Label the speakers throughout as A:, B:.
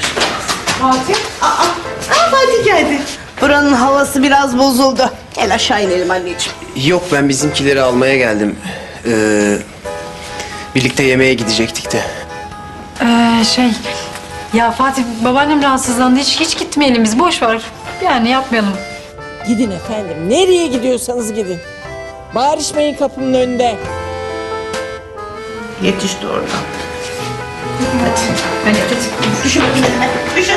A: Fatih? Fatih geldi. Buranın havası biraz bozuldu. Gel aşağı inelim anneciğim.
B: Yok, ben bizimkileri almaya geldim. Birlikte yemeğe gidecektik de.
C: Ya Fatih, babaannem rahatsızlandı. Hiç gitmeyelim biz. Boş ver. Yani yapmayalım.
D: Gidin efendim. Nereye gidiyorsanız gidin. Bağırışmayın kapının önünde.
A: Yetişti oradan. Hadi. Düşün bakayım. Düşün.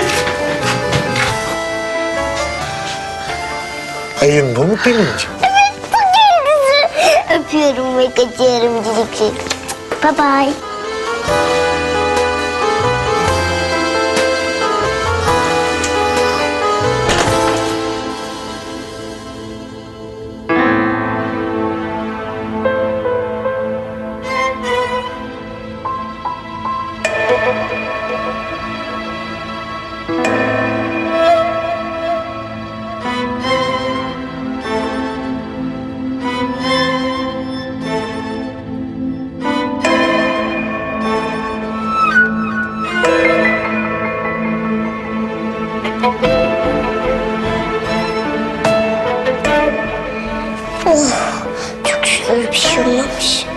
E: Ayın bu mu Pelin'ciğim?
F: Öpüyorum ve kaçıyorum cilik. Bye bye. Çok şükür bir şey olmamış.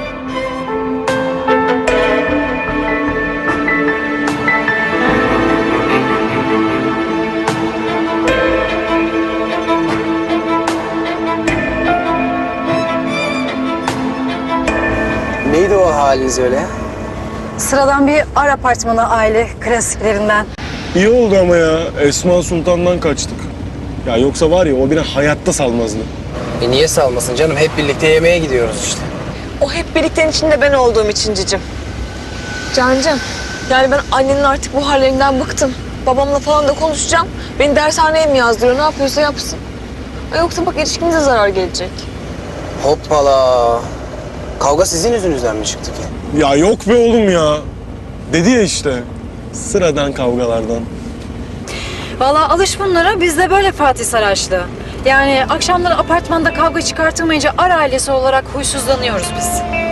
B: Neydi o haliniz öyle ya?
C: Sıradan bir ar apartmanı aile klasiklerinden.
G: İyi oldu ama ya. Esma Sultan'dan kaçtık. Ya yoksa var ya o beni hayatta salmazdı.
B: Niye salmasın canım? Hep birlikte yemeğe gidiyoruz işte.
H: O hep birliktenin içinde ben olduğum için cicim. Cancığım, yani ben annenin artık bu hallerinden bıktım. Babamla falan da konuşacağım. Beni dershaneye mi yazdırıyor, ne yapıyorsa yapsın. Yoksa bak ilişkimize zarar gelecek.
B: Hoppala. Kavga sizin yüzünüzden mi çıktı ki?
G: Ya yok be oğlum ya. Dedi ya işte. Sıradan kavgalardan.
C: Vallahi alış bunlara. Biz de böyle Fatih Saraçlı. Yani akşamları apartmanda kavga çıkartılmayınca ar ailesi olarak huysuzlanıyoruz biz.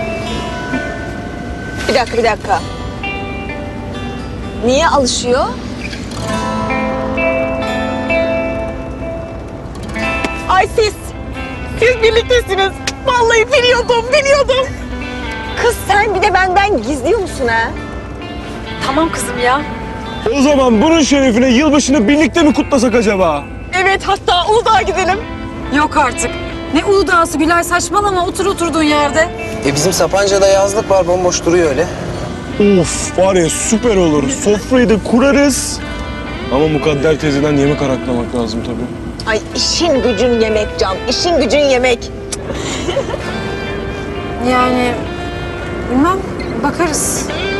H: Bir dakika. Niye alışıyor? Ay siz birliktesiniz. Vallahi biliyordum. Kız sen bir de benden gizliyor musun ha?
C: Tamam kızım ya.
G: O zaman bunun şerefine yılbaşını birlikte mi kutlasak acaba?
H: Evet, hatta Uludağ'a gidelim.
C: Yok artık. Ne Uludağ'sı Gülay, saçmalama, otur oturduğun yerde.
B: Bizim Sapanca'da yazlık var, bomboş duruyor öyle.
G: Of var ya süper olur. Sofrayı da kurarız. Ama Mukadder teyzeden yemek araklamak lazım tabii.
H: Ay işin gücün yemek Can, işin gücün yemek.
C: Yani bilmem, bakarız.